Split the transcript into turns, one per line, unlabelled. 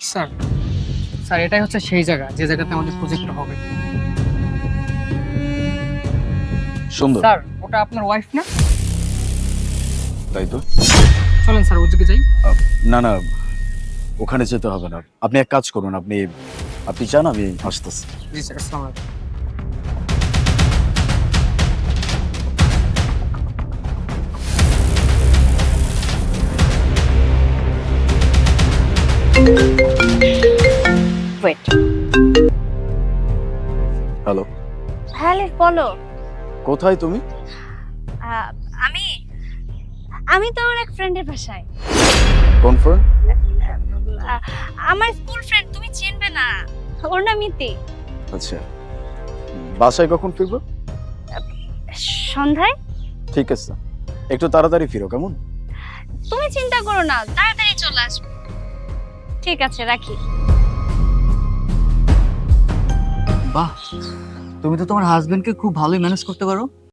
Sir sir এটাই হচ্ছে সেই জায়গা যে জায়গাতে আমাদের প্রজেক্টটা হবে।
সুন্দর,
স্যার ওটা আপনার ওয়াইফ না?
তাই তো।
চলেন স্যার ওদিকে যাই।
না না, ওখানে যেতে হবে না। আপনি এক কাজ করুন, আপনি আপনি চান আমি আসতেছি।
জি স্যার, আসসালামু আলাইকুম।
ওয়েট।
হ্যালো,
হ্যাঁ লিফ, বলো।
কোথায় তুমি?
আহ, আমি আমি তো আমার এক ফ্রেন্ডের বাসায়।
কোন ফ্রেন্ড?
আহ, আমার স্কুল ফ্রেন্ড, তুমি চিনবে না, ওর নাম ইতি।
আচ্ছা, বাসায় কখন ফিরবো?
সন্ধ্যায়।
ঠিক আছে, একটু তাড়াতাড়ি ফিরো কেমন?
তুমি চিন্তা করো না, তাড়াতাড়ি চলে আসবে। ঠিক আছে, রাখি।
বাহ, তুমি তো তোমার হাজবেন্ডকে খুব ভালোই ম্যানেজ করতে পারো।